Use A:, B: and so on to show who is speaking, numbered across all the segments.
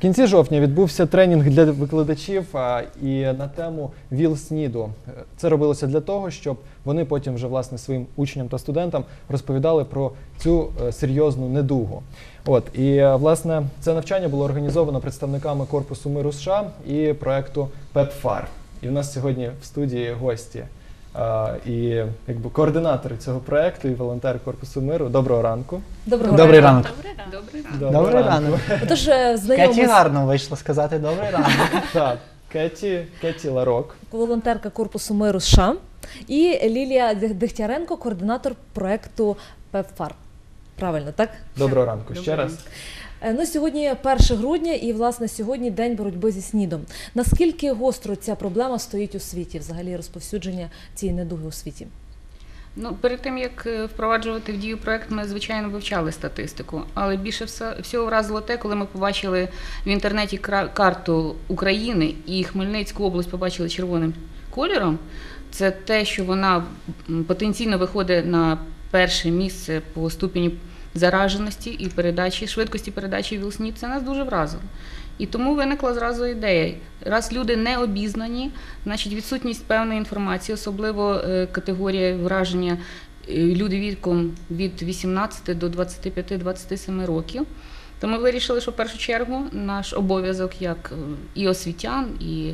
A: кінці жовтня відбувся тренінг для викладачів і на тему ВІЛ-СНІДу. Це робилося для того, щоб вони потім вже власне своїм учням та студентам розповідали про цю серйозну недугу. І власне це навчання було організовано представниками Корпусу миру США і проекту ПЕПФАР. І в нас сьогодні в студії гості і координатори цього проекту і волонтер Корпусу миру. Доброго ранку.
B: Добрий ранок.
C: Добрий ранок.
B: Отож,
C: Кеті гарно вийшло сказати добрий ранок.
A: Так, Кеті Ларок.
B: Волонтерка Корпусу миру США і Лілія Дегтяренко, координатор проекту ПЕПФАР. Правильно, так?
A: Доброго ранку ще раз.
B: Сьогодні 1 грудня і, власне, сьогодні День боротьби зі СНІДом. Наскільки гостро ця проблема стоїть у світі, взагалі розповсюдження цієї недуги у світі?
D: Перед тим, як впроваджувати в дію проект, ми, звичайно, вивчали статистику. Але більше всього вразило те, коли ми побачили в інтернеті карту України і Хмельницьку область побачили червоним кольором. Це те, що вона потенційно виходить на перше місце по ступені зараженості і швидкості передачі ВІЛ-СНІД, це нас дуже вразило. І тому виникла зразу ідея. Раз люди не обізнані, значить відсутність певної інформації, особливо категорія враження люди віком від 18 до 25-27 років. То ми вирішили, що в першу чергу наш обов'язок як і освітян, і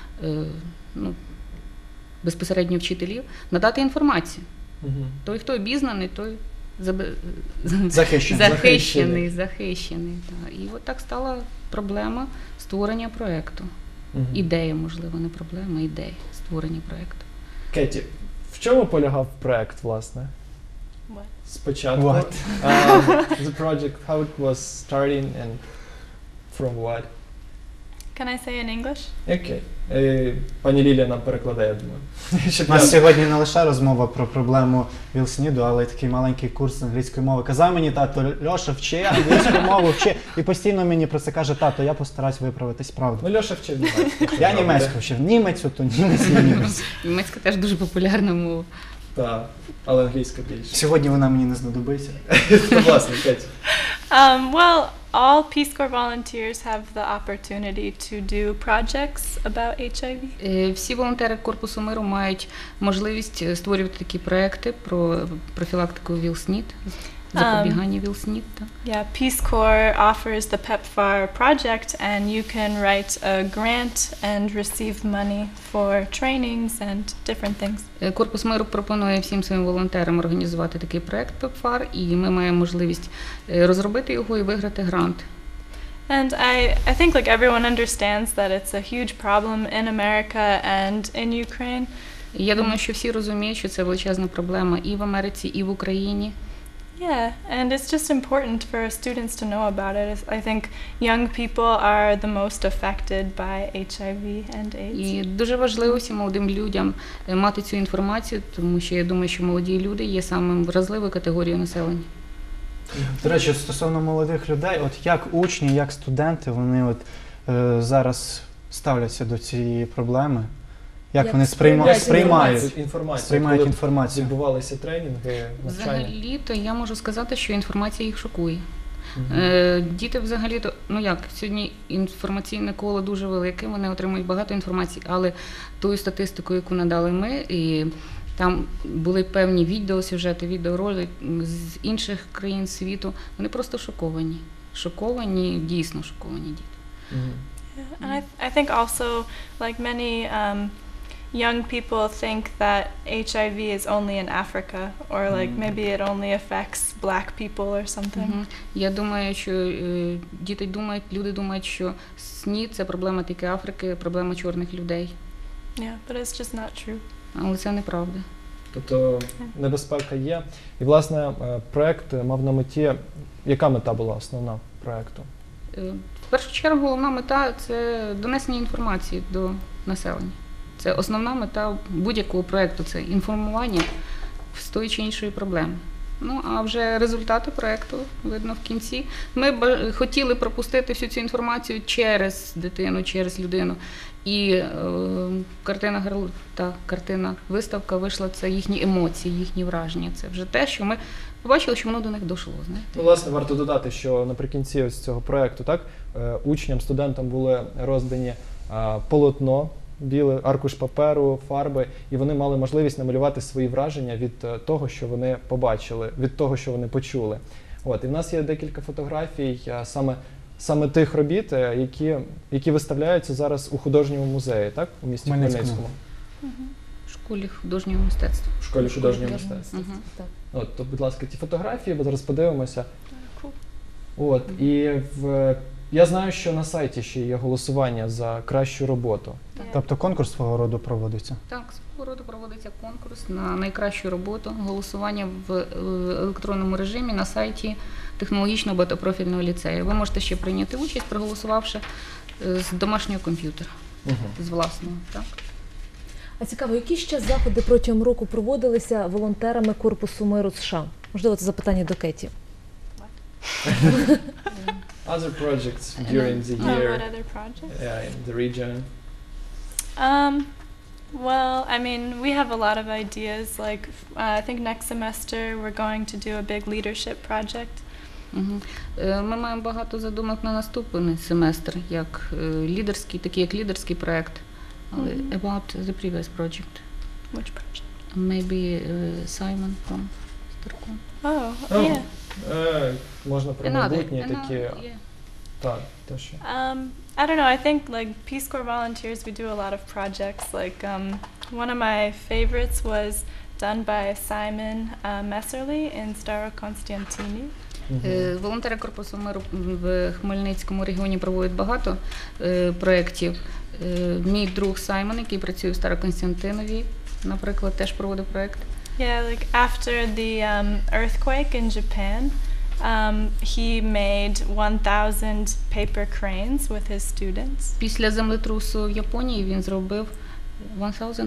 D: безпосередньо вчителів надати інформацію. Той, хто обізнаний, той захищений. І от так стала проблема створення проєкту. Ідея, можливо, не проблема, ідея створення проєкту.
A: Кеті, в чому полягав проєкт, власне? Спочатку. The project, how it was starting and from what?
E: Can I say in English?
A: Окей. Пані Лілія нам перекладає, я думаю.
C: У нас сьогодні не лише розмова про проблему ВІЛ-СНІДу, але й такий маленький курс англійської мови. Казав мені тато: Льоша, вчи англійську мову, вчи. І постійно мені про це каже: тато, я постараюсь виправитись, правда.
A: Льоша вчив німецьку.
C: Я німецьку вчив. Німецьку, то німець і німець.
D: Німецька теж дуже популярна мова.
A: Так, але англійська більше.
C: Сьогодні вона мені не знадобиться.
A: Власне, Кеті.
E: Well, all Peace Corps volunteers have the opportunity to do projects about HIV.
D: Всі волонтери Корпусу миру мають можливість створювати такі проекти про профілактику ВІЛ-СНІД, запобігання ВІЛ-СНІД.
E: Yeah, Peace Corps offers the PEPFAR project, and you can write a grant and receive money for trainings and different things.
D: Корпус миру пропонує всім своїм волонтерам організувати такий проект PEPFAR, і ми маємо можливість розробити його і виграти грант.
E: And I think like everyone understands that it's a huge problem in America and in Ukraine.
D: Я думаю, що всі розуміють, що це величезна проблема і в Америці, і в Україні.
E: Yeah, and it's just important for students to know about it. I think young people are the most affected by HIV and AIDS.
D: І дуже важливо всім молодим людям мати цю інформацію, тому що я думаю, що молоді люди є самим вразливою категорією населення.
C: До речі, стосовно молодих людей, от як учні, як студенти, вони зараз ставляться до цієї проблеми? Як вони сприймають інформацію?
A: Відбувалися тренінги, навчання?
D: Взагалі-то я можу сказати, що інформація їх шокує. Діти взагалі-то, сьогодні інформаційне коло дуже велике, вони отримують багато інформації, але тою статистикою, яку надали ми, і там були певні відеосюжети, відеоролики з інших країн світу, вони просто шоковані. Шоковані, дійсно шоковані діти.
E: And I think also, like many young people think that HIV is only in Africa, or like maybe it only affects black people or something.
D: Я думаю, що люди думають, що СНІД – це проблема тільки Африки, проблема чорних людей.
E: Yeah, but it's just not true.
D: Але це неправда.
A: Тобто небезпека є. І, власне, проєкт мав на меті, яка мета була основна проєкту?
D: В першу чергу, головна мета – це донесення інформації до населення. Це основна мета будь-якого проєкту – це інформування з тої чи іншої проблеми. Ну, а вже результати проєкту видно в кінці. Ми хотіли пропустити всю цю інформацію через дитину, через людину. І картина виставка вийшла, це їхні емоції, їхні враження. Це вже те, що ми побачили, що воно до них дійшло. Знаєте?
A: Ну, власне, варто додати, що наприкінці ось цього проєкту, так, учням, студентам були роздані полотно, білий аркуш паперу, фарби, і вони мали можливість намалювати свої враження від того, що вони побачили, від того, що вони почули. От, і в нас є декілька фотографій саме тих робіт, які виставляються зараз у художньому музеї, так, у місті Хмельницькому.
D: В школі художнього мистецтва.
A: В школі художнього мистецтва.
B: Так.
A: От, то, будь ласка, ті фотографії, ми зараз подивимося.
E: Cool.
A: От, і я знаю, що на сайті ще є голосування за кращу роботу.
C: Тобто конкурс свого роду проводиться?
D: Так, свого роду проводиться конкурс на найкращу роботу, голосування в електронному режимі на сайті технологічного багатопрофільного ліцею. Ви можете ще прийняти участь, проголосувавши з домашнього комп'ютера, з власного. Так?
B: А цікаво, які ще заходи протягом року проводилися волонтерами Корпусу миру США? Можливо, це запитання до Кеті.
A: Other projects during the year
E: What other projects?
A: in the region?
E: Well, I mean, we have a lot of ideas. Like, I think next semester we're going to do a big leadership project.
D: Ми маємо багато задумок на наступний семестр, як лідерський проект. Але about the previous project.
E: Which project?
D: Maybe Simon from Starcom.
E: Oh, yeah.
A: Можна про майбутнє такі. Так, то що.
E: I don't know. I think like Peace Corps volunteers, we do a lot of projects. Like one of my favorites was done by Simon Messerly in Starokonstantini.
D: Волонтери Корпусу миру в Хмельницькому регіоні проводять багато проєктів. Мій друг Саймон, який працює в Староконстантинові, наприклад, теж проводив проєкт.
E: Yeah, like after the earthquake in Japan, he made 1,000 paper cranes with his students.
D: Після землетрусу в Японії він зробив 1,000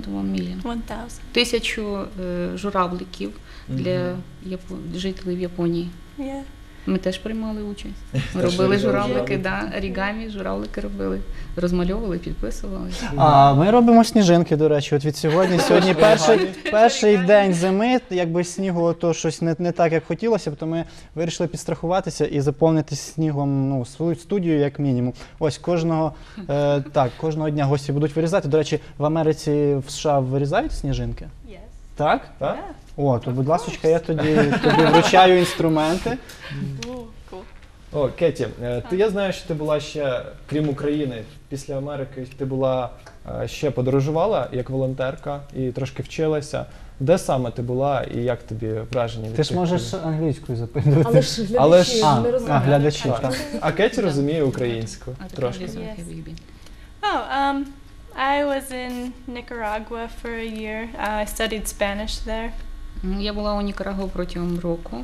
D: 1000 журавликів для жителів Японії.
E: Yeah.
D: Ми теж приймали участь. Ми робили журавлики, орігамі, журавлики робили, розмальовували, підписували.
C: А ми робимо сніжинки, до речі. От від сьогодні перший день зими, якби снігу то щось не так, як хотілося, то ми вирішили підстрахуватися і заповнити снігом свою студію як мінімум. Ось кожного дня гості будуть вирізати. До речі, в Америці, в США вирізають сніжинки?
E: Yes.
C: Так?
A: Так?
C: О, то, будь ласка, я тобі вручаю інструменти.
E: Cool.
A: О, Кеті, я знаю, що ти була ще, крім України, після Америки, ти була ще подорожувала як волонтерка і трошки вчилася. Де саме ти була і як тобі враження від
C: Ти ж
A: тих
C: можеш
A: країн?
C: англійською запитувати.
B: Але ж глядачі не розуміють.
C: глядачі,
A: Так.
C: так.
A: А Кеті розуміє українську трошки.
E: Yes. Oh, I was in Nicaragua for a year. I studied Spanish there.
D: Я була у Нікарагуа протягом року.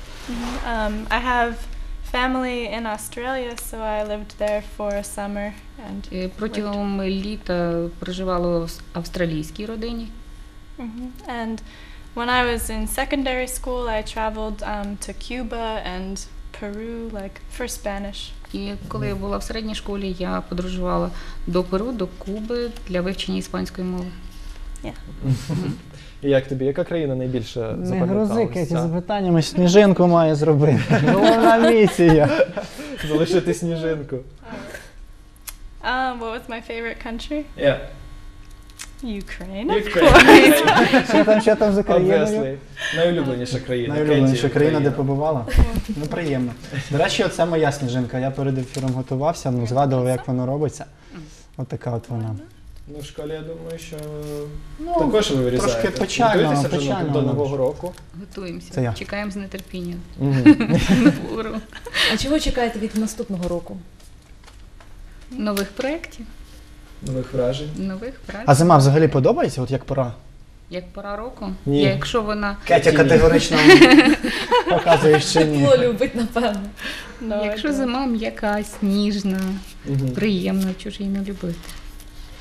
E: I have family in Australia, so I lived there for a summer and
D: Протягом літа проживала в австралійській родині.
E: And when I was in secondary school, I traveled to Cuba and Peru, like for Spanish.
D: І коли я була в середній школі, я подорожувала до Перу, до Куби для вивчення іспанської мови.
A: І як тобі? Яка країна найбільше
C: Не
A: запам'яталася?
C: грози, Кеті, запитаннями сніжинку має зробити. Головна місія.
A: Залишити сніжинку.
E: What was my favorite country?
A: Yeah.
E: Ukraine.
C: Що там за країною?
A: Obviously. Найулюбленіша країна.
C: Найулюбленіша
A: Кеті,
C: країна, де
A: Україна.
C: побувала? Ну, приємно. До речі, оце моя сніжинка. Я перед ефіром готувався, згадував, як воно робиться. От така от вона.
A: Ну, в школі, я думаю, що також ви вирізаєте.
C: трошки печально,
A: Готуєтеся вже
C: печально
A: до
C: воно
A: Нового
C: ж.
A: року.
D: Готуємося,
C: Це я.
D: чекаємо з нетерпінням
A: Мгм.
D: нового року.
B: А чого чекаєте від наступного року?
D: Нових проєктів,
A: Нових вражень.
D: нових праць.
C: А зима взагалі подобається, от як пора?
D: Як пора року?
A: Ні.
D: Якщо вона
C: Кетя категорично показує, що ні.
B: Тепло любить, напевно.
E: No,
D: Якщо
E: I don't.
D: зима м'яка, сніжна,
A: Мгм.
D: приємна, чого ж її не любити?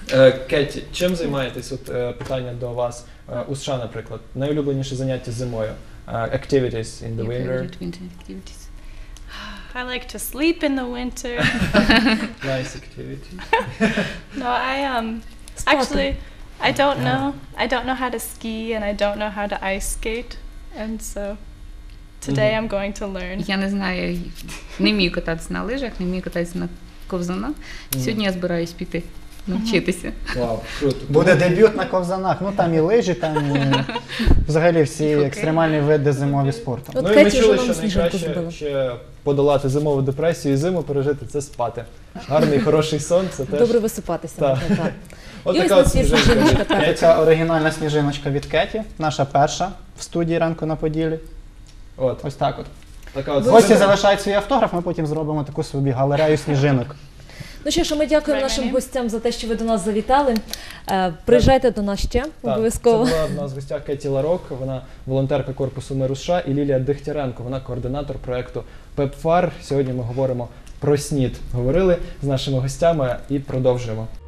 A: Кеті, чим займаєтесь? От питання до вас. У США, наприклад, найулюбленіше заняття зимою. Activities in the
D: Your
A: winter.
D: favorite winter activities?
E: I like to sleep in the winter.
A: Nice activity.
E: No,
B: Спати.
E: actually, I don't know. I don't know how to ski and I don't know how to ice skate. And so today I'm going to learn.
D: Я не знаю, не вмію кататися на лижах, не вмію кататися на ковзанах. Сьогодні я збираюсь піти навчитися.
A: Вау, круто.
C: Буде дебют на ковзанах. Ну там і лижі, там і взагалі всі
D: І хокей.
C: екстремальні види зимові спорту.
B: От
A: Ну і ми
B: Кеті
A: чули,
B: вже
A: що
B: нам сніжинку
A: найкраще
B: зробила.
A: ще подолати зимову депресію і зиму пережити – це спати. Гарний, хороший сон – це теж.
B: Добре висипатися.
A: Так.
B: можна, так.
A: От
B: І ось
A: така
B: у
A: от
B: нас є
A: сніжинка
B: сніжиночка,
A: від
B: так.
A: Кеті.
C: Ця оригінальна сніжиночка від Кеті, наша перша в студії «Ранку на Поділлі».
A: От,
C: Ось так от.
A: така от
C: Гості
A: сніжинка.
C: залишають свій автограф, ми потім зробимо таку собі галерею сніжинок.
B: Ну що ж, ми дякуємо
E: Right,
B: нашим
E: my name?
B: гостям за те, що ви до нас завітали. Приїжджайте до нас ще
A: Так,
B: обов'язково.
A: Це була в нас в гостях Кеті Ларок, вона волонтерка Корпусу миру США, і Лілія Дегтяренко, вона координатор проєкту ПЕПФАР. Сьогодні ми говоримо про СНІД. Говорили з нашими гостями і продовжуємо.